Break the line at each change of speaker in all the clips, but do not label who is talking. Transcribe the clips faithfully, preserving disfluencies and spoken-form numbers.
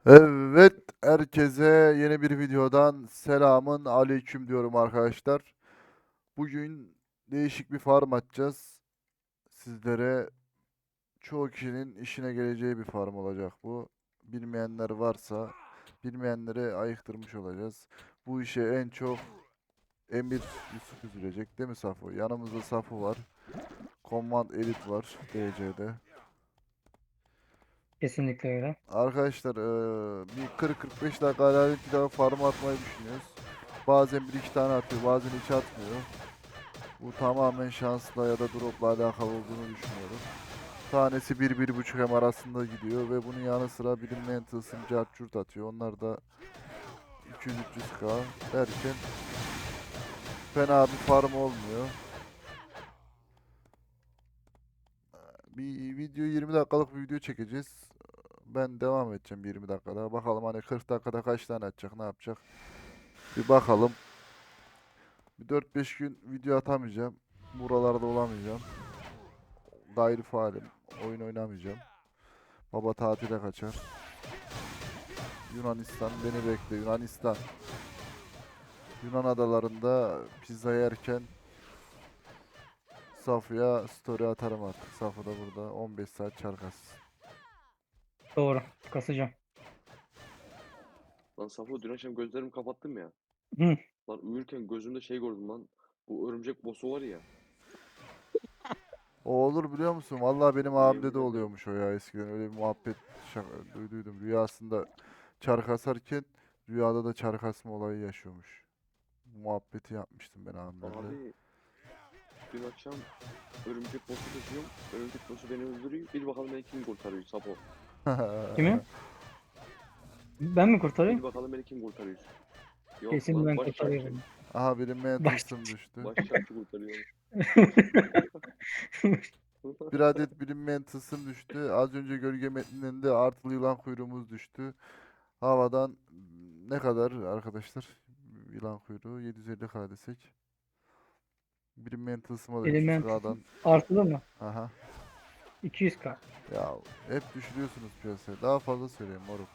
Evet, herkese yeni bir videodan selamın aleyküm diyorum arkadaşlar. Bugün değişik bir farm açacağız. Sizlere çoğu kişinin işine geleceği bir farm olacak bu. Bilmeyenler varsa bilmeyenlere ayıktırmış olacağız. Bu işe en çok Emir Yusuf üzülecek değil mi Safo? Yanımızda Safo var. Command Elite var D C'de.
Kesinlikle öyle.
Arkadaşlar eee, bir kırk kırk beş dakika aralık bir daha farm atmayı düşünüyoruz. Bazen bir iki tane atıyor, bazen hiç atmıyor. Bu tamamen şansla ya da dropla alakalı olduğunu düşünüyorum. Tanesi bir bir buçuk hem arasında gidiyor ve bunun yanı sıra bilinmeyen tılsım cart curt atıyor. Onlar da iki yüz üç yüz K derken fena bir farm olmuyor. Bir video yirmi dakikalık bir video çekeceğiz. Ben devam edeceğim bir yirmi dakikada. Bakalım hani kırk dakikada kaç tane atacak, ne yapacak. Bir bakalım. Bir dört beş gün video atamayacağım. Buralarda olamayacağım. Gayri faalim. Oyun oynamayacağım. Baba tatile kaçar. Yunanistan beni bekle. Yunanistan. Yunan adalarında pizza yerken Safı'ya story atarım artık. Safı da burada on beş saat çarkas.
Doğru. Kasacağım.
Lan Safo dün akşam gözlerimi kapattım ya.
Hı.
Lan uyurken gözümde şey gördüm lan. Bu örümcek boss'u var ya.
O olur biliyor musun? Vallahi benim
Yemin
abimde de
ederim.
oluyormuş o ya eskiden. Öyle bir muhabbet şaka, duyduydum. Rüyasında çark asarken rüyada da çark asma olayı yaşıyormuş. Muhabbeti yapmıştım ben abimlerle.
Abi dün akşam örümcek boss'u kesiyorum. Örümcek boss'u beni öldürüyor. Bir bakalım beni kim kurtarıyor Safo.
Kimi? Ben mi
Bir
kurtarayım?
bakalım beni kim kurtarıyor. Yok
Kesin
lan
ben
baş çarkçı.
kurtarıyorum.
Aha benim
Baş.
tılsım düştü.
Baş çarkçı kurtarıyor.
Bir adet bilinmeyen tılsım düştü. Az önce gölge metninden de artılı yılan kuyruğumuz düştü. Havadan mm, ne kadar arkadaşlar? Yılan kuyruğu yedi yüz elli K desek. Bilinmeyen tılsıma da
Element
üç yüz K'dan.
artılı mı?
Aha.
iki yüz K.
Ya hep düşürüyorsunuz piyasaya. Daha fazla söyleyeyim moruk.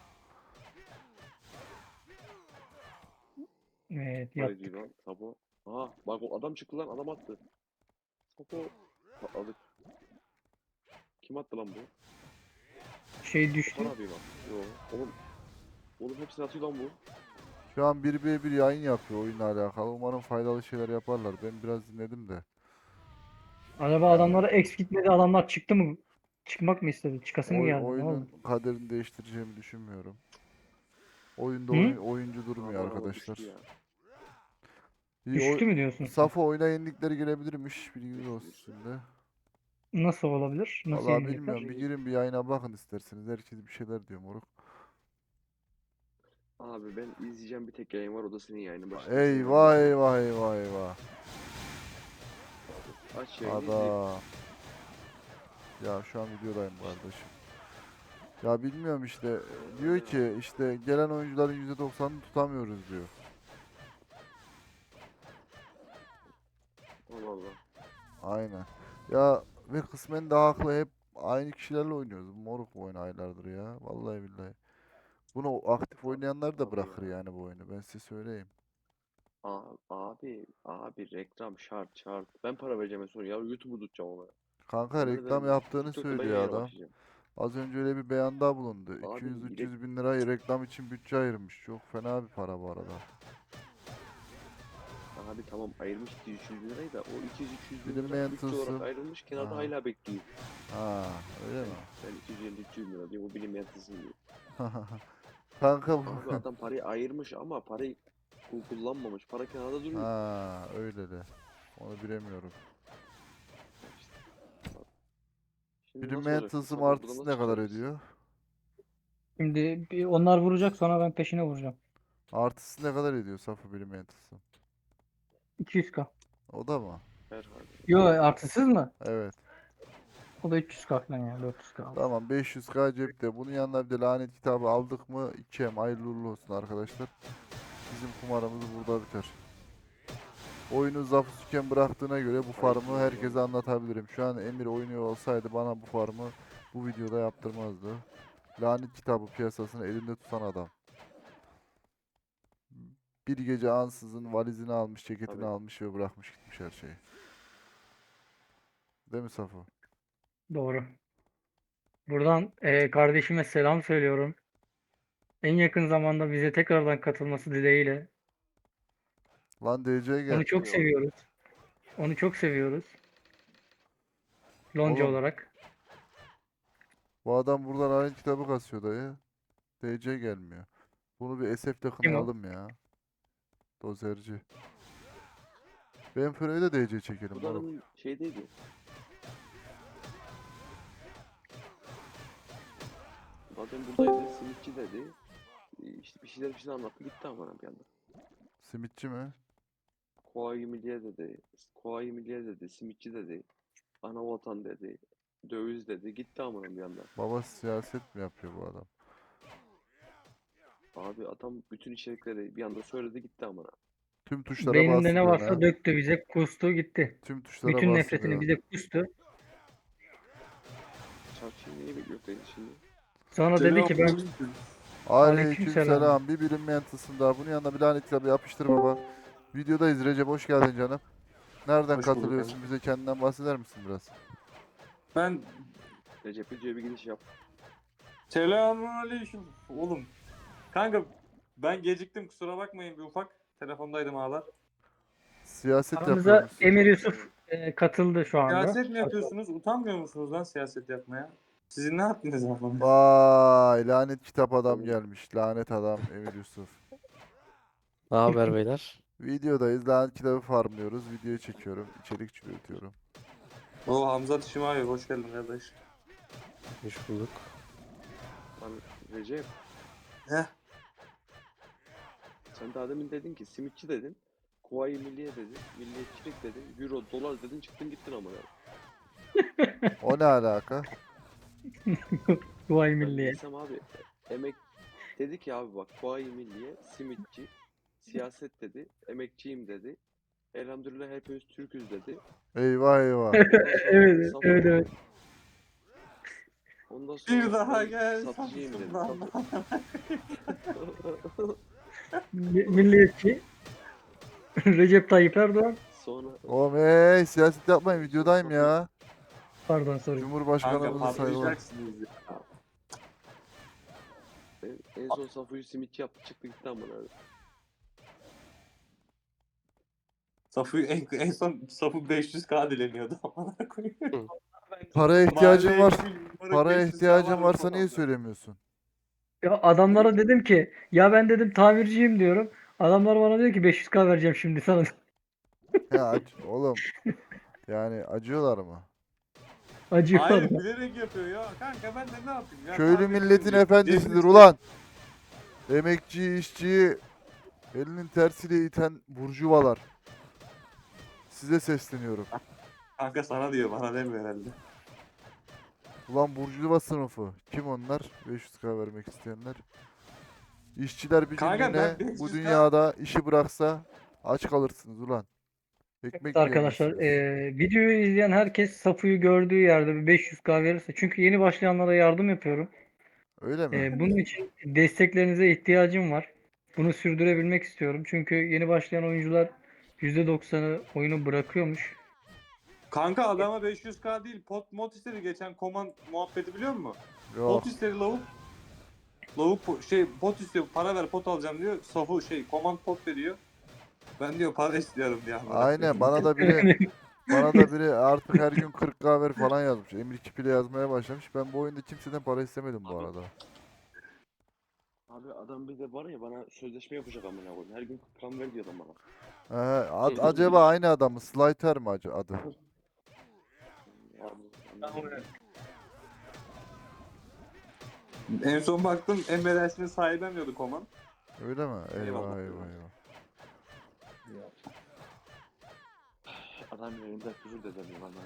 Evet
Var ediyor
yaptık.
lan Safo. Aha bak o adam çıktı lan adam attı. Safo. Patladık. Kim attı lan bu?
Şey
Okan
düştü.
abi mi attı? Yo. Oğlum, oğlum hepsini atıyor lan bu.
Şu an bir ve bir yayın yapıyor oyunla alakalı. Umarım faydalı şeyler yaparlar. Ben biraz dinledim de.
Acaba
Yani
adamlara X gitmedi, adamlar çıktı mı? Çıkmak mı istedi? Çıkası mı
oy,
geldi? Ne oldu?
oyunun kaderini değiştireceğimi düşünmüyorum. Oyunda
Hı?
oyun, oyuncu durmuyor
Abi araba
arkadaşlar.
düştü ya.
İyi, oy
Düştü mü diyorsun sen?
Safo oyuna yenilikleri gelebilirmiş. Bilginiz
Düştü
olsun
düştü.
şimdi.
Nasıl olabilir? Nasıl
Vallahi
yenilecekler?
bilmiyorum. Bir girin bir yayına bakın isterseniz. Herkes bir şeyler diyor moruk.
Abi ben izleyeceğim bir tek yayın var o da senin yayının başında senin yayını
Eyvah
izleyeceğim.
eyvah eyvah eyvah.
Aç yayını izleyeyim.
Ada. Ya şu an videodayım kardeşim. Ya bilmiyorum işte.
Aynen
Diyor
öyle abi.
ki işte gelen oyuncuların yüzde doksanını tutamıyoruz diyor.
Allah Allah.
Aynen. Ya ve kısmen de haklı, hep aynı kişilerle oynuyoruz. Moruk bu oyunu aylardır ya. Vallahi billahi. Bunu aktif
Abi,
oynayanlar da
abi ya.
bırakır yani bu oyunu. Ben size söyleyeyim.
Abi, abi, abi reklam şart şart. Ben para vereceğim en son ya YouTube'u tutacağım ona.
Kanka
Yemin
reklam
ederim bak.
yaptığını
TikTok'ta ben
söylüyor
yayına
adam.
başlayacağım.
Az önce öyle bir beyanda bulundu.
Abi rek
iki yüz üç yüz bin lirayı reklam için bütçe ayırmış. Çok fena bir para bu arada.
abi tamam ayırmış iki yüz üç yüz bin lirayı da o iki yüz üç yüz bin lira
Bilinmeyen
bütçe olarak
tılsım.
ayrılmış kenarda
Aha.
hala bekliyor.
Ha, öyle
Ben,
mi?
ben iki yüz elli üç yüz bin lira diyor o bilinmeyen tılsım diyor.
Kanka bu.
Abi adam parayı ayırmış ama parayı ku- kullanmamış. Para kenarda duruyor.
Ha, öyle de. Onu bilemiyorum.
İşte, bak. Şimdi nasıl
Bilinmeyen
olacaksın
tılsım
Safo? Buradan
artısı
nasıl
ne kadar
çıkacağız biz?
ediyor?
Şimdi bir onlar vuracak, sonra ben peşine vuracağım.
Artısı ne kadar ediyor Safı bilinmeyen tılsım?
iki yüz K.
O da mı?
Herhalde.
Yo, artısız mı?
Evet.
O da üç yüz K falan ya. dört yüz K aldı.
Tamam, beş yüz K cepte. Bunun yanına bir de lanet kitabı aldık mı iki em hayırlı uğurlu olsun arkadaşlar. Bizim kumarımız burada biter. Oyunu Zafu Süken bıraktığına göre bu
Hayırlı
farmı
uğurlu
herkese
olsun.
anlatabilirim. Şu an Emir oynuyor olsaydı bana bu farmı bu videoda yaptırmazdı. Lanet kitabı piyasasını elinde tutan adam. Bir gece ansızın valizini almış, ceketini
Tabii.
almış ve bırakmış gitmiş her şeyi. Değil mi Safo?
Doğru. Buradan e, kardeşime selam söylüyorum. En yakın zamanda bize tekrardan katılması dileğiyle.
Lan D C gel.
Onu çok
Eyvallah.
seviyoruz. Onu çok seviyoruz. Lonca
Oğlum
olarak.
bu adam buradan lanet kitabı kasıyor dayı. D C gelmiyor. Bunu bir S F'de
Kim o?
kınayalım ya. Dozerci. Ben Fıro'yu da D C çekelim
Bu da
moruk.
adamın şeydeydi. Zaten buradaydı. Simitçi dedi. Ee, İşte bir şeyler bir şeyler anlattı. Gitti ama bir anda.
Simitçi mi?
Kuvayi Milliye dedi. Kuvayi Milliye dedi. Simitçi dedi. Ana vatan dedi. Döviz dedi. Gitti ama bir anda.
Baba siyaset mi yapıyor bu adam?
Abi adam bütün içerikleri bir anda söyledi gitti ama.
Tüm tuşlara
Beyninde
bastı
ne
diyorsun
varsa
ha.
döktü bize. Kustu gitti.
Tüm tuşlara
Bütün
bastı
nefretini
diyorsun.
bize kustu.
Çarpışın neyi bekliyor dedi şimdi.
Sonra dedi ki ben
Selamünaleyküm.
aleykümselam.
Aleykümselam. Bir bilinmeyen daha. Bunun yanına bir lanet kitabı yapıştır baba. Videodayız Recep, hoş geldin canım. Nereden
Hoş bulduk
katılıyorsun?
abi.
Bize kendinden bahseder misin biraz?
Ben
Recep videoya bir giriş yap.
selamünaleyküm. Oğlum. Kanka ben geciktim kusura bakmayın bir ufak. Telefondaydım ağlar.
Siyaset
Aramıza
yapıyormuşsun.
Emir Yusuf e, katıldı şu anda.
Siyaset mi yapıyorsunuz? Utanmıyor musunuz lan siyaset yapmaya? Sizin ne haddiniz var bana?
Vay, lanet kitap adam
Oğlum.
gelmiş. Lanet adam Emir Yusuf.
Ne haber beyler?
Videodayız. Lanet kitabı farmlıyoruz. Videoyu çekiyorum. İçerik üretiyorum.
O Hamza Şimayev hoş geldin kardeş.
Hoş bulduk.
Lan Recep
Heh.
sen daha demin dedin ki simitçi dedin. Kuvayi Milliye dedin. Milliyetçilik dedin. Euro, dolar dedin çıktın gittin ama.
O ne alaka?
Vay
Ben
milliye.
bilsem abi emek dedi ki abi bak Kuvayi Milliye, simitçi, siyaset dedi, emekçiyim dedi. Elhamdülillah hepimiz Türk'üz dedi.
Eyvah eyvah.
Ondan sonra
Evet,
sat-
evet, evet.
Ondan sonra
Bir daha
ben
gel
satıcıyım dedi.
Samsun'dan.
Sat-
Mi- Milliyetçi. Recep Tayyip Erdoğan.
sonra
Oğlum hey, siyaset yapmayın, videodayım ya.
Pardon sorry.
Kanka
Cumhurbaşkanımızı sayılır.
patlayacaksınız ya.
en, en son Safuyu simitçi yaptı çıktı gitti ama abi.
Safu en, en son Safu beş yüz K dileniyordu. Amına koyayım.
Paraya ihtiyacın
Mahalleye
var.
bir numara
Paraya
beş yüz K
ihtiyacın
varmış
varsa niye
odamda.
söylemiyorsun?
Ya adamlara dedim ki ya ben dedim tamirciyim diyorum. Adamlar bana diyor ki beş yüz K vereceğim şimdi sana.
Ya ac- oğlum, yani acıyorlar mı?
Acıyor
Hayır
bana.
bilerek yapıyor ya. Kanka ben de ne yapayım ya.
Köylü
Tamirciyim
milletin
diyor.
efendisidir
Cebini-
ulan. Emekçi, işçiyi elinin tersiyle iten burjuvalar. Size sesleniyorum.
Kanka sana diyor bana demiyor herhalde.
Ulan burjuva sınıfı. Kim onlar? beş yüz K vermek isteyenler. İşçiler bir
Kanka
günlüğüne
ben beş
bu
yüz K
dünyada işi bıraksa aç kalırsınız ulan. Ekmek
Evet arkadaşlar
yiyemezsiniz.
e, videoyu izleyen herkes Safu'yu gördüğü yerde bir beş yüz K verirse. Çünkü yeni başlayanlara yardım yapıyorum.
Öyle mi?
E, bunun için desteklerinize ihtiyacım var. Bunu sürdürebilmek istiyorum. Çünkü yeni başlayan oyuncular yüzde doksanı oyunu bırakıyormuş.
Kanka adama beş yüz K değil pot mod istedi geçen koman muhabbeti biliyor musun?
Yok.
Pot istedi lavuk. Lavuk po- şey pot istiyor para ver pot alacağım diyor. Safu şey koman pot veriyor. Ben diyor para istiyorum diyor. amına
Aynen,
koyayım.
bana da biri bana da biri artık her gün kırk K ver falan yazmış. Emir kipiyle yazmaya başlamış. Ben bu oyunda kimseden para istemedim bu
Abi-
arada.
Abi adam bir de var ya bana sözleşme yapacak amına koyayım. Her gün kan ver diyor adam bana.
Ee, ad- acaba aynı adam mı? Slighter mi ac- adı?
Abi,
En son baktım embeddesini sahiplenmiyordu koman.
Öyle mi? Eyvah
Eyvallah.
eyvah eyvah.
adam yayında küfür de demiyor bana.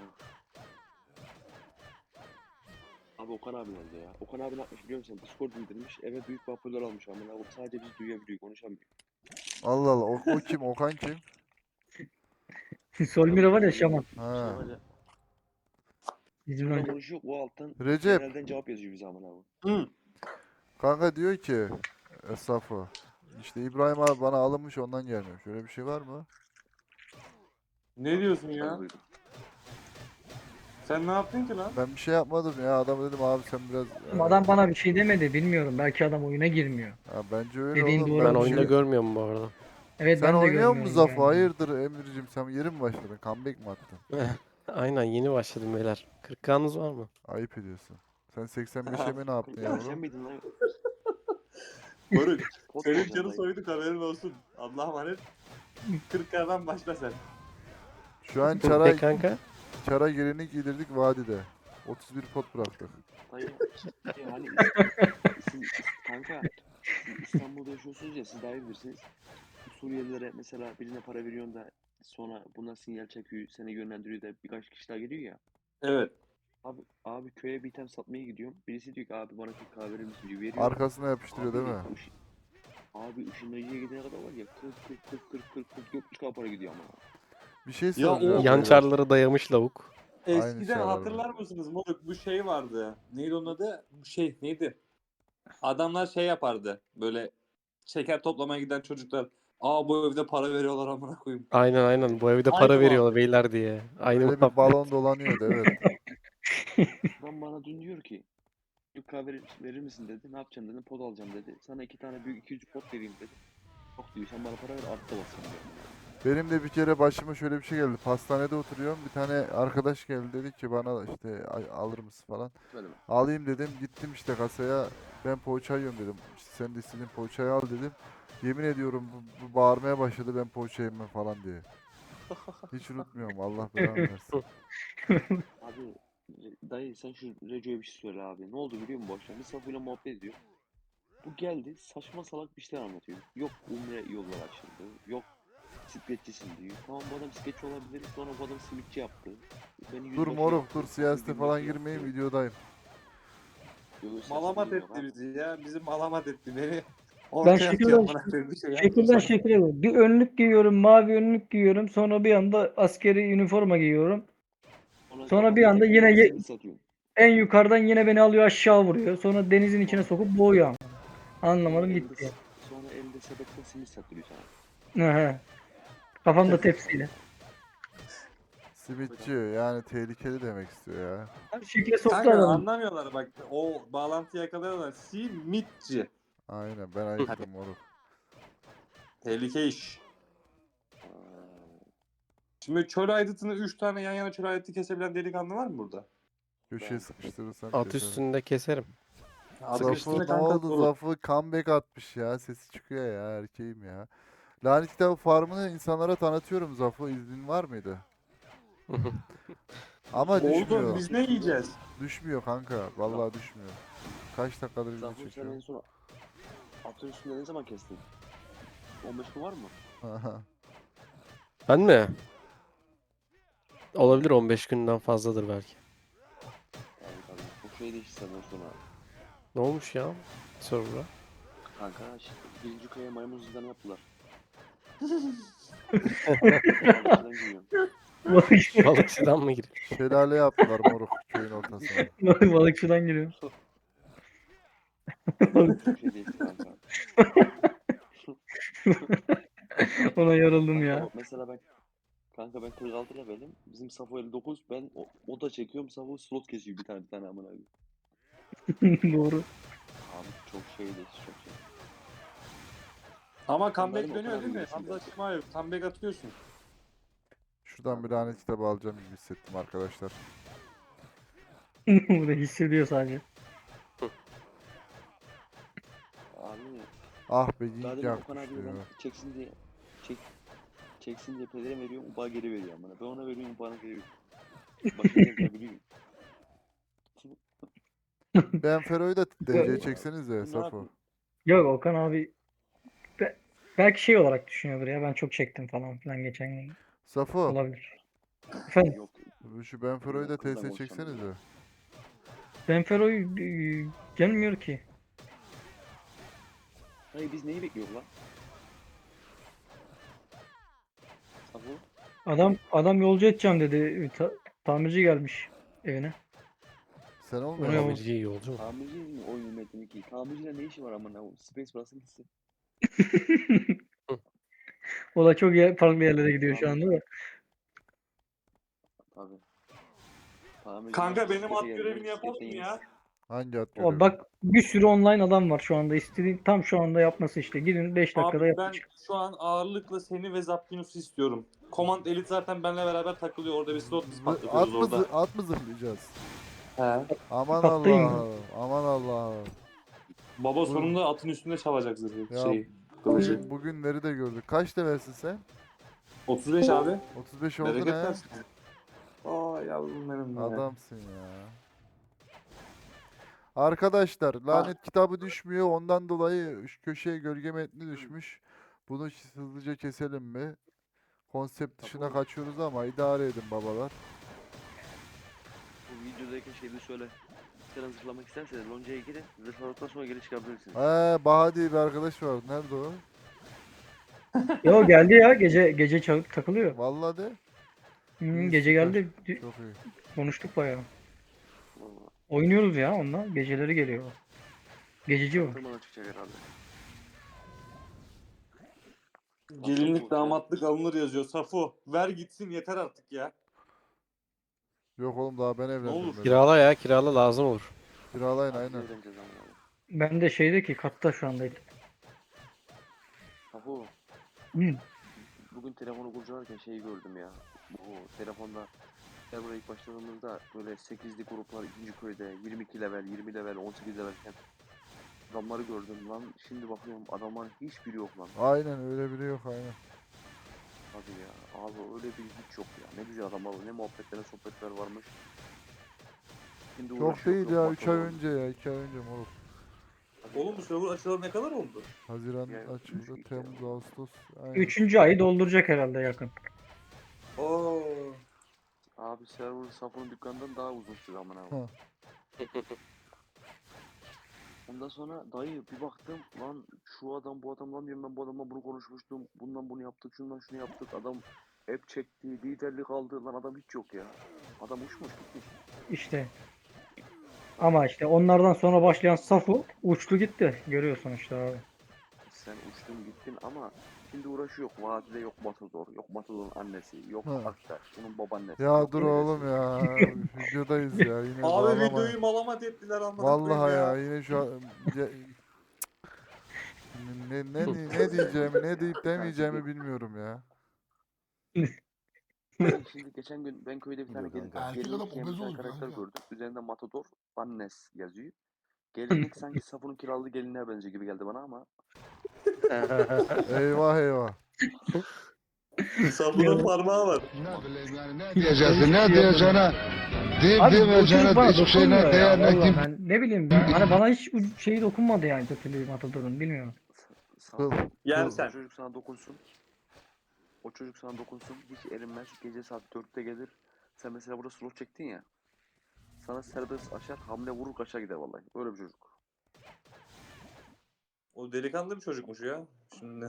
Abi Okan abi nerede ya? Okan abi ne yapmış biliyor musun? Discord indirmiş, eve büyük bir hoparlör almış amına koyayım. Sadece biz duyabiliyor, konuşamıyor.
Allah Allah, o, o kim? Okan kim?
Solmira var ya şaman.
Ha.
Şuna var ya,
Bizim
burada
önce.
konuşuyor, o alttan
Recep.
genelden cevap yazıyor bize amına koyayım.
Hı.
Kanka diyor ki e, Safo. İşte İbrahim abi bana alınmış ondan gelmiyor. Şöyle bir şey var mı?
Ne diyorsun
Ben
ya?
duydum.
Sen ne yaptın ki lan?
Ben bir şey yapmadım ya. Adama dedim abi sen biraz e,
Adam bana bir şey demedi, bilmiyorum. Belki adam oyuna girmiyor.
ya bence öyle
Dediğin
oğlum.
doğru
Ben
Ben
bir
olabilir.
oyunda
şey...
görmüyorum bu arada.
Evet,
Sen
ben de
oynuyor musun
görmüyorum
Zafo?
yani.
Hayırdır Emir'cim sen yeni mi başladın? Comeback mi attın?
Aynen yeni başladım beyler. kırk kanız var mı?
Ayıp ediyorsun. Sen seksen beşe mi ne yaptın
Kanka sen
yavrum?
miydin lan?
Barış.
Pot mu
Senin
alacaksın
canı
dayı?
soyduk haberin olsun. Allah'a emanet. kırklardan başla sen.
Şu an
Ne
çara
kanka?
çara gelini giydirdik vadide. otuz bir pot bıraktık.
Dayı şey hani is- siz, is- kanka siz İstanbul'da yaşıyorsunuz ya siz daha iyi bilirsiniz. Bu Suriyelilere mesela birine para veriyorsun da sonra buna sinyal çekiyor, seni yönlendiriyor da birkaç kişi daha geliyor ya.
Evet.
Abi abi köye bir item satmaya gidiyorum. Birisi diyor ki abi bana kırk kahve verir misin diyor. Veriyorum.
Arkasına yapıştırıyor değil
Abi
mi?
ışı- abi ışınlayıcıya gidene kadar var ya kırk kırk kırk kırk kırk kırk dört buçuk para gidiyor ama.
Bir şey
Ya o-
soracağım
Yan
beyler.
çarları dayamış lavuk.
Aynı
Eskiden
şey var
hatırlar mısınız moruk bu şey vardı. Neydi onun adı? Bu şey neydi? Adamlar şey yapardı. Böyle şeker toplamaya giden çocuklar. Aa bu evde para veriyorlar amına koyayım.
Aynen aynen bu evde
Aynı
para veriyorlar
muhabbet.
beyler diye. Aynı
Öyle bir
muhabbet.
balon dolanıyordu evet.
Adam bana dün diyor ki kırk kahve verir, verir misin dedi. Ne yapacaksın dedim. Pod alacağım dedi. Sana iki tane büyük iki yüz pot vereyim dedi. Yok diyor sen bana para ver artta basın diyor.
Benim de bir kere başıma şöyle bir şey geldi. Pastanede oturuyorum. Bir tane arkadaş geldi dedi ki bana işte "Ay, alır mısın falan.
Böyle mi?
Alayım dedim. Gittim işte kasaya. Ben poğaça yiyorum dedim. İşte sen de istediğin poğaçayı al dedim. Yemin ediyorum bu, bu bağırmaya başladı ben poğaça yemem falan diye. Hiç unutmuyorum. Allah belanı versin.
Abi Re- dayı sen şu Reco'ya bir şey söyle abi. Ne oldu biliyor musun bu akşam? Biz Safu'yla muhabbet ediyor. Bu geldi saçma salak bir şeyler anlatıyor. Yok Umre yollar açıldı. Yok bisikletçisin diyor. Tamam bu adam bisikletçi olabilir. Sonra bu adam simitçi yaptı. Beni
Dur
yüzbaşı
moruk
yaptı.
dur
Safu
siyasete falan
binbaşı
girmeyin
yaptı.
videodayım.
Yok, yok,
Malamat
siyasete girmiyor
etti
abi.
bizi ya. Bizi malamat etti. Beni
Ben
ortaya atıyor
şekilden
amına koyayım bir şey
şekilden
yapmıyorsan.
şekile bak. Bir önlük giyiyorum, mavi önlük giyiyorum. Sonra bir anda askeri üniforma giyiyorum.
Sonra
Sonra bir
kafanda
anda
tekme
yine
var
ye-
simit satıyorsun.
en yukarıdan yine beni alıyor aşağı vuruyor. Sonra denizin içine
Sonra,
sokup boğuyor.
sonra
Anlamadım
elde
gitti.
sonra elde sepetle simit satıyor sana.
Aha. Kafamda tepsiyle.
Simitçi yani tehlikeli demek istiyor ya.
Şekle soktu
Kanka
adamı.
anlamıyorlar bak. O bağlantıyı yakalıyorlar. Simitçi.
Aynen ben ayıktım moruk.
Tehlike iş.
Aa,
Şimdi çöl aydıtını üç tane yan yana çöl aydıtı kesebilen delikanlı var mı burada?
Köşeye
Ben-
sıkıştırırsam
At
keserim.
üstünde keserim.
Adı
Zafı
üstünde
ne
kanka
oldu?
dolu.
Zafı comeback atmış ya. Sesi çıkıyor ya erkeğim ya. Lanet Kitabı Farm'ını insanlara tanıtıyorum Zafı. İznin var mıydı? Ama
Oğlum
düşmüyor.
biz ne yiyeceğiz?
Düşmüyor kanka. Vallahi düşmüyor. Kaç dakikadır video
Zafu sen en
çekiyorum.
son atın üstünde ne zaman kestin? on beş gün var mı?
Ben mi? Olabilir on beş günden fazladır belki.
Yani tabii. Bu şey değişti senden sonra.
Ne olmuş ya? Server'a.
Kanka işte birinci köye maymun zindanı yaptılar. Balıkçıdan giriyorum.
Balıkçıdan mı giriyor?
Şelale yaptılar moruk köyün ortasına.
Balıkçıdan geliyor.
Çok şey değişti kanka.
Ona yoruldum
Kanka
ya.
bak mesela ben kanka ben kırk altı levelim. Bizim Safo elli dokuz. Ben o, o da çekiyorum. Safo slot kesiyor bir tane bir tane amına koyayım.
Doğru.
Abi çok şey değişti çok şey.
Ama
Sen
comeback
benim
dönüyor
Okan
değil mi?
abi
Hamza
gibisin
Şimayev comeback atıyorsun.
Şuradan bir lanet kitabı alacağım gibi hissettim arkadaşlar.
Burada hissediyor sadece.
Abi
Ah be
daha
yiyince
demin Okan
yakmış
abi ben
diyor.
çeksin diye çek çeksin diye pedere veriyorum. Uba geri veriyor amına. Ben ona veriyorum bana geri veriyor. Başını yapabiliyor.
Ben Fero'yu da D C çeksenize
Ne
Safo.
yapayım?
Yok Okan abi be- belki şey olarak düşünüyordur ya, ben çok çektim falan filan geçen gün.
Safo.
Olabilir. Efendim,
Yok.
Şu Ben Fero'yu da
Kızla
T S
konuşalım
çeksenize.
ya.
Benfero'yu e, gelmiyor ki.
Hayır biz neyi bekliyoruz lan? Safo?
Adam adam yolcu edeceğim dedi. Ta- tamirci gelmiş evine.
Sen
Oraya
olmuyor
bak.
musun?
Tamirci yolcu mu?
Tamirci mi oyun metni ki? Tamirciyle ne işi var amına? Space Baras'ın gitsin.
O da çok yer- farklı yerlere gidiyor şu
Tamirci.
anda da.
Tabii. Tamirciler
Kanka benim
bisiklete
at
geldi.
görevini yapalım
Bisikletten
mı
iniyor.
ya?
Hangi at
O
görevi?
bak bir sürü online adam var şu anda. İstediğin tam şu anda yapması işte. Gidin beş dakikada
Abi ben
yapın.
şu an ağırlıkla seni ve Zapkinus'u istiyorum. Command Elite zaten benimle beraber takılıyor. Orada bir slot biz
Zı-
patlatıyoruz
At mı,
orada.
zı- at mı zırhlayacağız?
He.
Aman
Patlayın mı?
Allah'ım. Aman Allah'ım.
Baba
Bu-
sonunda atın üstünde çalacak zırhı
Ya
şeyi. Kılıcı.
bugün, bugünleri de gördük. Kaç levelsin sen?
otuz beş abi.
otuz beş oldun
Bereket
he.
versin. Aa yavrum benim ya.
Adamsın ya. Arkadaşlar lanet kitabı düşmüyor. Ondan dolayı şu köşeye gölge metni düşmüş. Bunu hızlıca keselim mi? Konsept dışına
Tabii.
kaçıyoruz ama idare edin babalar.
Bu videodayken şeyde söyle. Sen hazırlamak isterseniz loncaya girin. Zırhladıktan sonra geri çıkabilirsiniz.
Ee, Baha diye bir arkadaş var. Nerede o?
Yo geldi ya gece gece çal- takılıyor.
Vallahi de.
Hı,
İyi,
gece
süper.
geldi. D-
Çok iyi.
Konuştuk bayağı.
Vallahi.
Oynuyoruz ya onunla. Geceleri geliyor. Gececi o.
Tırmana çıkacak herhalde.
Gelinlik damatlık alınır yazıyor. Safo ver gitsin yeter artık ya.
Yok oğlum daha ben
olur?
evlendirmedim.
Kirala ya kirala lazım olur.
Kiralayın
Abi
aynen.
eğleneceğiz ama abi.
Ben de şeydeki katta şu anda.
Ahu,
Hı.
bugün telefonu kurcalarken şeyi gördüm ya. Bu telefonda server'a ilk başladığımızda böyle sekizli gruplar ikinci köyde yirmi iki level, yirmi level, on sekiz levelken adamları gördüm lan. Şimdi bakıyorum adamların hiçbiri yok lan.
Aynen öyle biri yok aynen.
Hadi ya abi öyle bir hiç yok ya. Ne güzel adamlar ne muhabbetler ne sohbetler varmış. Şimdi
Çok
uğraşıyor,
değil
yok
ya.
maç
üç ay
oldu.
önce ya. iki ay önce moruk.
Hadi
Oğlum bu server açılalı ne kadar oldu?
Haziran
Ya,
açıldı.
üç- iki
Temmuz,
ay oldu.
Ağustos. Aynen.
Üçüncü ayı dolduracak herhalde yakın.
Oo.
Abi server Safo'nun dükkanından daha uzun süre amına
Ha.
koyayım. Ondan sonra dayı bir baktım lan şu adam bu adam lan diyorum ben bu adamla bunu konuşmuştum. Bundan bunu yaptık şundan şunu yaptık. Adam hep çekti liderlik aldı lan adam hiç yok ya. Adam uçmuş gitmiş.
İşte. Ama işte onlardan sonra başlayan Safu uçtu gitti. Görüyorsun işte abi.
Sen uçtun gittin ama şimdi uğraşıyor. Vadide yok Matador, yok Matador'un annesi, yok
Ha.
Aktaş, bunun babaannesi.
Ya
yok
dur
dedesi.
oğlum ya. Videodayız ya. Yine
Abi
bağlama.
videoyu malamat ettiler amına
Vallahi
koyayım
ya.
ya.
Yine şu an ya- ne, ne, ne, ne diyeceğimi ne deyip demeyeceğimi bilmiyorum ya.
Dayı şimdi geçen gün ben köyde bir tane
Diyor
gelin,
kanka.
Erkek
gelinlik
adam
giyen bir
obez
tane
olur
karakter
kanka.
gördüm. Üzerinde Matador, Annes yazıyor. Gelinlik sanki Safun'un kiralığı gelinliğe benziyor gibi geldi bana ama.
Eyvah eyvah.
Safo'nun parmağı var.
Ne bileyim yani ne diyeceksin ne diyeceğine deyip
Abi bu çocuk
demeyeceğine
bana
hiçbir şeyine
dokunmuyor ya.
değer ne
Vallahi
kim
ben ne bileyim ben. Hani bana hiç u- şeyi dokunmadı yani kötülüğü Matador'un bilmiyorum.
Sa-
Kıl.
Safun,
Yersen.
o çocuk sana dokunsun. O çocuk sana dokunsun. Hiç erinmez. Gece saat dörtte gelir. Sen mesela burada slot çektin ya. Sana serbest açar. Hamle vurur kaçar gider vallahi. Öyle bir çocuk.
O delikanlı bir çocukmuş ya. Şimdi.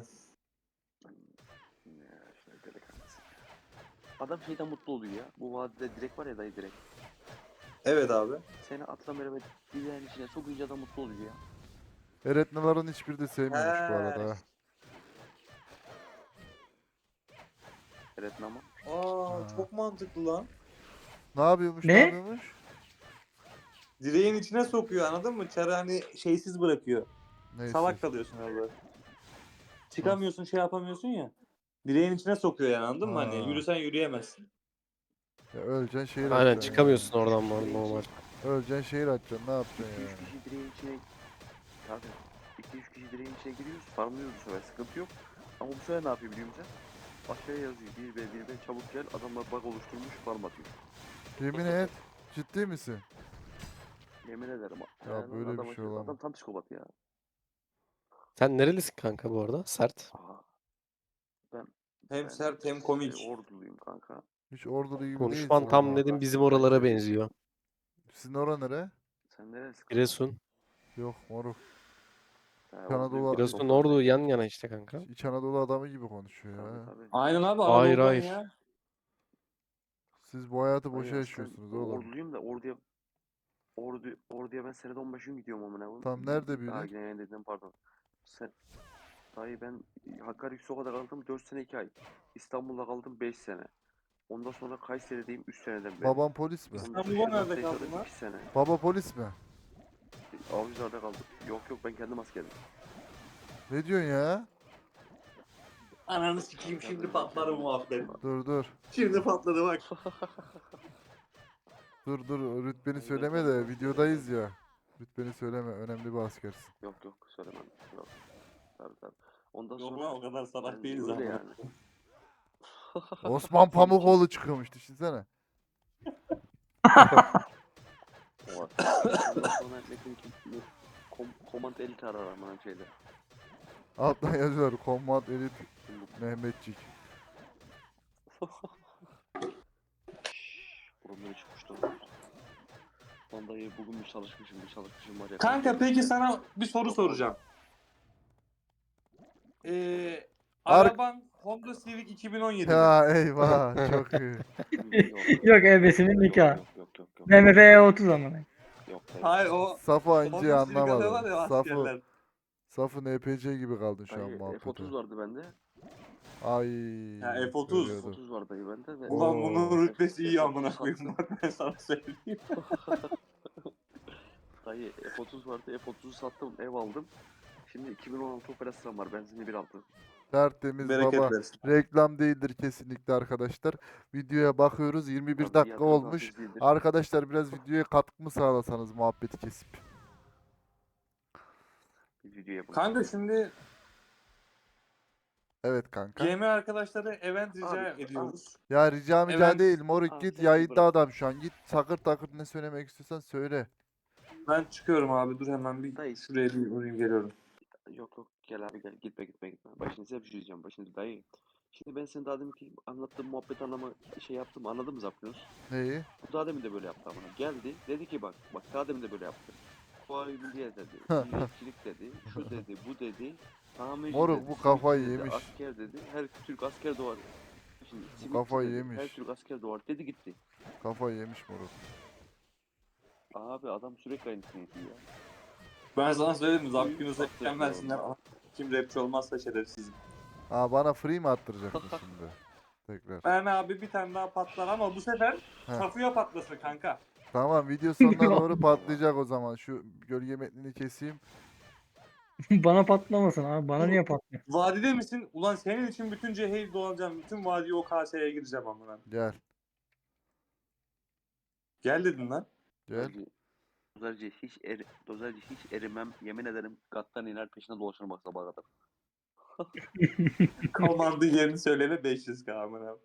Ya işte delikanlısı. Adam şeyden mutlu oluyor ya. Bu vadide direkt var ya dayı direkt.
Evet abi.
Seni atla beraber dileğin içine sokunca adam mutlu oluyor ya.
Eretnaların hiçbiri de sevmiyormuş bu
He.
arada. ha.
Evet ama.
Aa
Ha.
çok mantıklı lan.
Ne yapıyormuş?
Ne?
Ne yapıyormuş?
Direğin içine sokuyor anladın mı? Çarı hani şeysiz bırakıyor.
Neyse.
Salak kalıyorsun orada. Çıkamıyorsun şey yapamıyorsun ya. Direğin içine sokuyor yani anladın mı?
Ha.
Hani yürüsen yürüyemezsin.
Ya öleceksin şehir
Aynen
açacaksın
çıkamıyorsun oradan
Direğin
normal. normal.
içine-
ya. Öleceksin şehir açacaksın. Ne yapacaksın
iki üç
yani?
kişi direğin içine Tabii. iki üç kişi direğin içine giriyoruz. Farmlıyoruz bu sefer. Sıkıntı yok. Ama bu sefer ne yapıyor biliyor musun? Aşağıya yazıyor. bir ve bir ve çabuk gel. Adamlar bug oluşturmuş. Farm atıyor.
Yemin et. Ciddi misin?
Yemin ederim.
Ya
Helal
böyle bir
adam
şey
aşırı-
olamaz.
Adam tam psikopat ya.
Sen nerelisin kanka bu arada? Sert.
Aha. Ben,
Hem
ben
sert hem
e,
komik.
orduluyum kanka.
Hiç ordulu gibi
Konuşman
değilsin
tam
ama.
dedim bizim oralara benziyor.
Sizin
Sizin ora nere?
Sen neresi kanka?
Giresun.
Yok moruk.
Ha,
Anadolu-
orduluyum.
Giresun
Doktor
Ordu
değil.
yan yana işte kanka.
İç Anadolu adamı gibi konuşuyor
Tabii
ya.
tabii.
Aynen abi
Hayır,
Anadolu'dan
hayır.
ya.
Siz bu hayatı
Hayır,
boşa
aslen
yaşıyorsunuz oğlum.
orduluyum da orduya Ordu, Ordu'ya ben senede on beş gün gidiyorum amına koyayım.
Tam nerede
Daha
büyüdün?
yine yine dedim pardon. Sen, dayı ben Hakkari Yüksekoka'da kaldım dört sene iki ay. İstanbul'da kaldım beş sene. Ondan sonra Kayseri'deyim üç seneden beri.
Babam polis mi?
Ondan sonra
İstanbul'a nerede
Şırnak'ta
kaldın
yaşadım
lan?
iki sene.
Baba polis mi?
Avcılar'da kaldım. Yok yok ben kendim askerdim.
Ne diyorsun ya?
Ananı sikeyim şimdi patlar bu muhabbet.
Dur dur.
Şimdi patladı bak.
Dur dur rütbeni
Ben
söyleme
kendim
de
askerdim
videodayız
ben.
ya. Rütbeni söyleme. Önemli bir askersin.
Yok yok söylemem. Yok. Tabii tabii. Ondan
Yok
sonra
lan o kadar salak
ben
değiliz
öyle
ama.
yani.
Osman Pamukoğlu çıkıyormuş düşünsene.
O- Ondan sonra Metin ki kom, komand elit arar amına şeyde.
Alttan yazıyor. Command Elite
Şimdi
Mehmetçik.
burunları çıkmıştı. Lan dayı bugün bir çalışmışım bir çalışmışım var ya.
Kanka peki sana bir soru soracağım. Ee,
Ar-
araban Honda Civic iki bin on yedi mi?
Ya eyvah çok iyi.
Yok
Yok ebesinin
yok
nikahı.
yok yok yok yok.
B M W E otuz amına.
Yok dayı.
Hayır o
Safo ince
Honda Civic alıyorlar
anlamadı.
ya
Safo,
askerler.
Safo N P C gibi kaldın şu an
Dayı
muhabbete.
F otuz vardı bende.
Ay.
Ha, F otuz.
görüyordum.
F otuz var dayı bende ve
Ulan
Oo.
bunun rütbesi iyi
F
amına
otuz
koyayım
sattım.
bak ben sana söyleyeyim.
Dayı F otuz vardı. F otuzu sattım ev aldım. Şimdi iki bin on altı Opel Astra'm var. Benzinli bir altı.
Tertemiz
Bereket
baba.
versin.
Reklam değildir kesinlikle arkadaşlar. Videoya bakıyoruz. yirmi bir
Tabii
dakika
yatırım
olmuş.
tavsiyesi değildir.
Arkadaşlar biraz videoya katkı mı sağlasanız muhabbeti kesip.
Bir video yapın.
Kanka şimdi
Evet kanka.
G M arkadaşları event rica
Abi,
ediyoruz.
Ya rica mica
Evet.
değil moruk
Abi
git
sen
yayında
bırak.
adam şu an. Git takır takır ne söylemek istiyorsan söyle.
Ben çıkıyorum abi dur hemen bir
Dayı.
şuraya bir uğrayayım geliyorum.
Yok yok gel abi gel gitme gitme gitme. Başını size bir şey diyeceğim. Başını dayı. Şimdi ben senin daha demin ki anlattığım muhabbet anlama şey yaptım anladın mı Zapkınus?
Neyi?
Bu daha demin de böyle yaptı amına. Geldi dedi ki bak bak daha demin de böyle yaptı. Fuayi Milliye dedi. Milliyetçilik dedi. Şu dedi bu dedi. Tamirci
Moruk,
dedi.
bu
simitçi
kafayı
dedi,
yemiş.
Asker dedi. Her Türk asker doğar. Şimdi simitçi
kafayı
dedi,
yemiş.
Her Türk asker doğar dedi gitti.
Kafayı yemiş moruk.
Abi adam sürekli aynısını yapıyor ya.
Ben sana söyledim mi?
Buyur,
Zapkınız'a
attı
iken versinler.
doğru.
Kim rapçi olmazsa şerefsizim.
Aa bana free mi attıracaksın şimdi? Tekrar.
Ben abi bir tane daha patlar ama bu sefer
Heh.
Safuya patlasın kanka.
Tamam video sonuna doğru patlayacak o zaman. Şu gölge metnini keseyim.
Bana patlamasın abi. Bana niye patlıyor?
Vadide misin? Ulan senin için bütün Cehil dolanacağım. Bütün vadiye o K S'ye gireceğim amına.
Gel.
Gel dedin lan.
Gel.
Dozerci, dozerci hiç er, dozerci hiç erimem. Yemin ederim gattan iner peşine dolaşırım bak sabaha kadar.
Komandı yerini söyleme beş yüz K amına.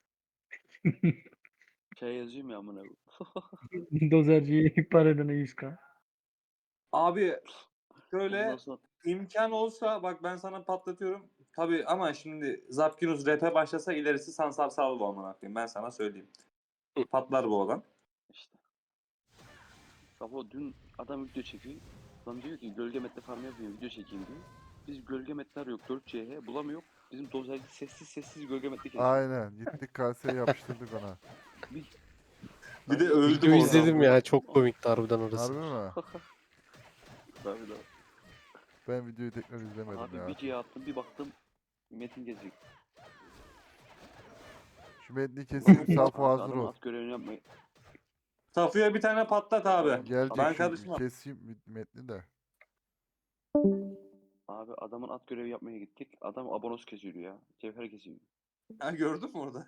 Şey yazayım ya amına. koyayım.
Dozerciyi ihbar edene yüz K.
Abi şöyle
Ondan sonra
imkan olsa bak ben sana patlatıyorum. Tabii ama şimdi Zapkinus rap'e başlasa ilerisi Sansarsal bu amına koyayım. Ben sana söyleyeyim. Patlar bu olan.
işte. Safo dün adam video çekiyor. Lan diyor ki gölge metle farm yapayım video çekeyim diyor. Biz gölge metler yok dört C H bulamıyor. Bizim dozerci sessiz sessiz gölge metle kesiyor.
Aynen. Gittik kaseye yapıştırdık ona.
Bir,
Bir de
Dayı,
öldüm
Video
oradan.
izledim ya çok komikti harbiden orası.
Harbi mi?
Tabii tabii.
Ben videoyu tekrar izlemedim
Abi
ya.
videoya attım bir baktım Metin gelecek.
Şu metni keseyim Safo
Abi
hazır
adamın
ol.
at görevini yapmayı.
Safuya bir tane patlat abi.
Gelecek
Ben
şu
karışmam.
keseyim metni de.
Abi adamın at görevi yapmaya gittik. Adam abonos kesiyor ya. Cevher kesiyor.
Ha, gördün mü orada?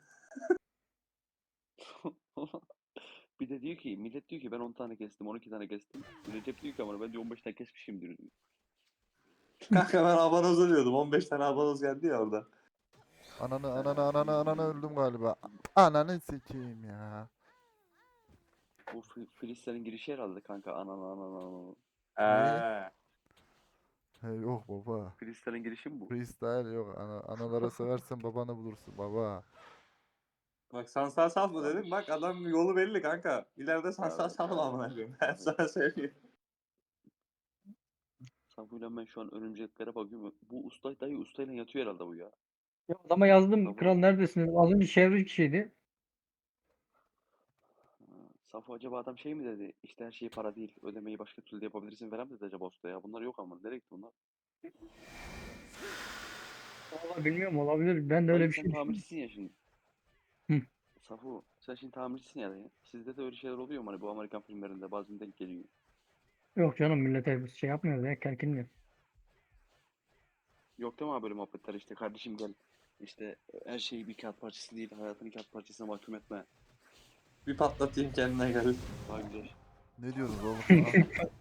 Bir de diyor ki millet diyor ki ben on tane kestim on iki tane kestim. Recep diyor ki ama ben diyor on beş tane kesmişimdir diyor.
Kanka ben abanoz diyordum. on beş tane abanoz geldi ya orada.
Ananı ananı ananı ananı öldüm galiba. Ananı sikeyim ya.
Bu Fi- Filistin'in girişi herhalde kanka anan anan anan.
Eee.
He, yok baba.
Filistin'in girişi mi bu?
Freestyle yok. Ana, analara seversen babanı bulursun baba.
Bak Sansarsal mı dedim? Bak adam yolu belli kanka. İleride Sansarsal mı amına koyayım? Ben sana söyleyeyim.
Safuyla ben şu an örümceklere bakıyorum. Bu usta dayı ustayla yatıyor herhalde bu ya.
Ya adama yazdım.
Tamam.
Kral neredesiniz? Az önce çevre kişiydi.
Safo acaba adam şey mi dedi? İşte her şey para değil. Ödemeyi başka türlü de yapabilirsin falan mı dedi acaba usta ya? Bunlar yok ama. Nereye gitti bunlar?
Vallahi bilmiyorum, olabilir. Ben de öyle
Dayı
bir
sen
şey düşündüm.
tamircisin ya şimdi.
Hı.
Safo sen şimdi tamircisin ya dayı. Sizde de öyle şeyler oluyor mu? Hani bu Amerikan filmlerinde bazen denk geliyor.
Yok canım, millete biz şey yapmıyoruz ya, kerkinmiyor.
Yok değil mi abi böyle muhabbetler işte kardeşim gel. İşte her şey bir kağıt parçası değil. Hayatını kağıt parçasına mahkum etme.
Bir patlatayım kendine gel.
Daha güzel.
Ne diyorsunuz oğlum? Ha?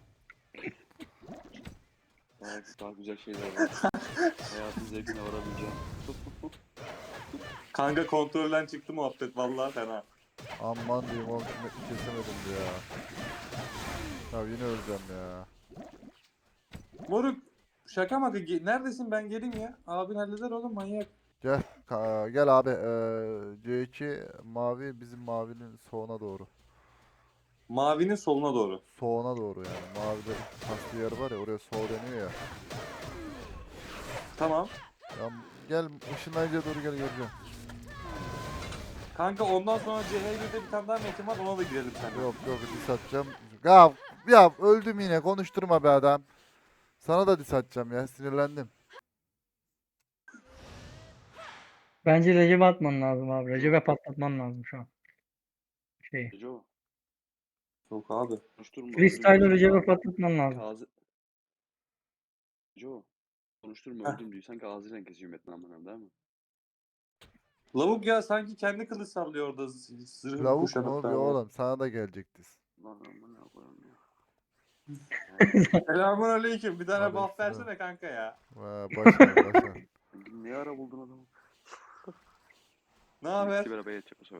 Daha, daha güzel şeyler var. Hayatın zevkine varabileceğin.
Kanka kontrolden çıktı muhabbet vallahi fena.
Aman diyeyim oğlum şunu kesemedim ya. Ya yine öleceğim ya.
Moruk şaka maka ge- neredesin ben geleyim ya. Abin halleder oğlum manyak.
Gel ka- gel abi. Ee, C iki mavi bizim mavinin soğuna doğru.
Mavinin soluna doğru.
Soğuna doğru yani. Mavide kaslı yer var ya oraya soğ deniyor ya.
Tamam.
Ya gel ışınlayıcıya doğru gel göreceğim.
Kanka ondan sonra C H bir'de bir tane daha metin var ona da girelim sen.
Yok yok dis atacağım. Ya, ya öldüm yine konuşturma be adam. Sana da dis atacağım ya sinirlendim.
Bence Recep'e atman lazım abi. Recep'e patlatman lazım şu an. Şeyi.
Reco
Yok abi.
konuşturma.
Freestyle'ı
öldüm
Recep'e
diyorsan
patlatman lazım.
Ağzı... Reco konuşturma
Heh.
öldüm diyor. Sanki ağzıyla kesiyor Metin amına değil mi?
Lavuk ya sanki kendi kılıç sallıyor orada z- zırhını
Lavuk
kuşanıp
mu? Bir
böyle.
oğlum sana da gelecek dis.
Lan amına koyayım ya.
Selamun aleyküm. Bir tane buff
Aleykümselam.
versene kanka ya.
Ha, başar başar.
Ne ara buldun adamı?
Ne haber?
İkisi beraber yetecek bu sefer.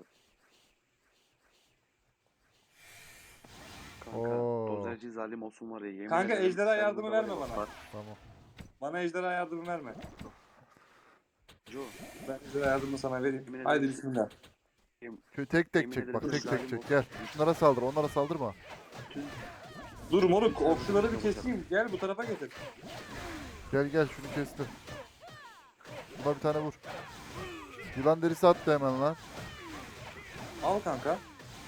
Kanka
Oo.
dozerci zalim olsun var ya yemin
Kanka,
ederim
ejderha
sen
yardımı
burada var ya
verme
bak,
bana.
bak.
Tamam.
Bana ejderha yardımı verme.
Joe,
Ben ejderha yardımını sana vereyim.
Yemin
Haydi
ederim.
bismillah.
Şu tek tek
Yemin
çek
ederim
bak tek tek
zalim
çek
ol-
gel. Şunlara saldır onlara saldırma.
bütün
Dur moruk okçuları bir keseyim. Gel bu tarafa getir.
Gel gel şunu kestim. Buna bir tane vur. Yılan derisi attı hemen lan.
Al kanka.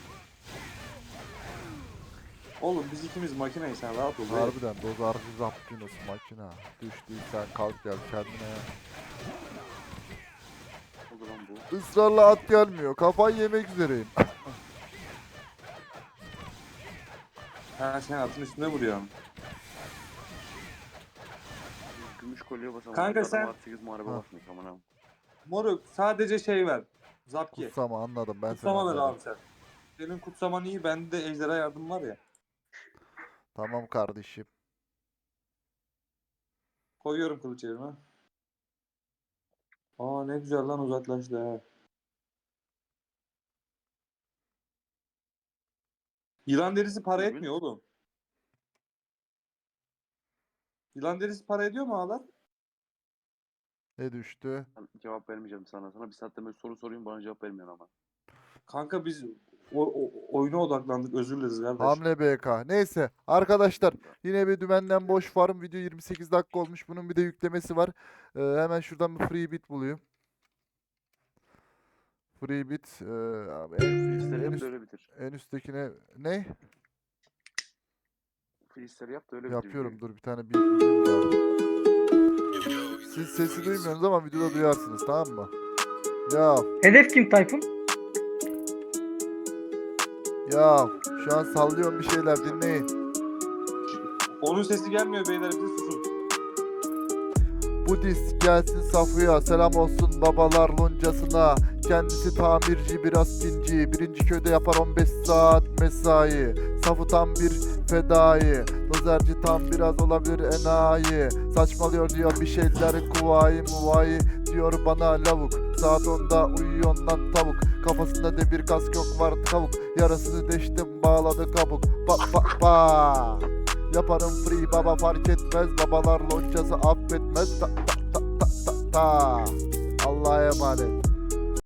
Oğlum biz ikimiz makineyiz sen rahat ol. be.
Harbiden dozarcı zaptinos makina. Düştüysen kalk gel kendine.
oldu lan bu.
Israrla at gelmiyor. Kafayı yemek üzereyim.
Ha sen atın üstüne vuruyorsun.
Gümüş kolye basamam.
Kanka
Adam
sen-
artı sekiz muharebe
Ha.
basmış aman abi.
Moruk sadece şey ver. Zapki.
Kutsama anladım ben seni
Kutsama ver
anladım.
abi sen. Senin kutsaman iyi bende de ejderha yardım var ya.
Tamam kardeşim.
Koyuyorum kılıç yerime. Aa ne güzel lan uzaklaştı ha. Yılan derisi para
Bugün-
etmiyor oğlum. Yılan derisi para ediyor mu ağlar?
Ne düştü?
Ben cevap vermeyeceğim sana. Sana bir saatte böyle soru sorayım bana cevap vermiyorsun ama.
Kanka biz o, o- oyuna odaklandık özür dileriz kardeş.
Hamle B K. Neyse arkadaşlar yine bir dümenden boş farm video yirmi sekiz dakika olmuş. Bunun bir de yüklemesi var. Ee, hemen şuradan bir free bit bulayım. Free bit. Ee, abi en,
Freestyle
en,
yap
üst-
da öyle bitir.
en üsttekine ne?
Freestyle yap da öyle bitir.
Yapıyorum.
videoyu.
Dur bir tane beat bulayım da. Siz sesi duymuyorsunuz ama videoda duyarsınız tamam mı? Ya
Hedef kim Tayfun?
ya şu an sallıyorum bir şeyler dinleyin.
Onun sesi gelmiyor beyler bize susun.
Bu disk gelsin Safu'ya selam olsun babalar loncasına. Kendisi tamirci biraz pinci. Birinci köyde yapar on beş saat mesai. Safu tam bir fedai. Dozerci tam biraz olabilir enayi. Saçmalıyor diyor bir şeyler kuvayi muvayi. Diyor bana lavuk. Saat onda uyuyor lan tavuk. Kafasında demir kask yok var tavuk. Yarasını deştim bağladı kabuk. Ba ba ba. Yaparım free baba fark etmez. Babalar loncası affetmez. Ta ta ta ta ta ta. Allah'a emanet.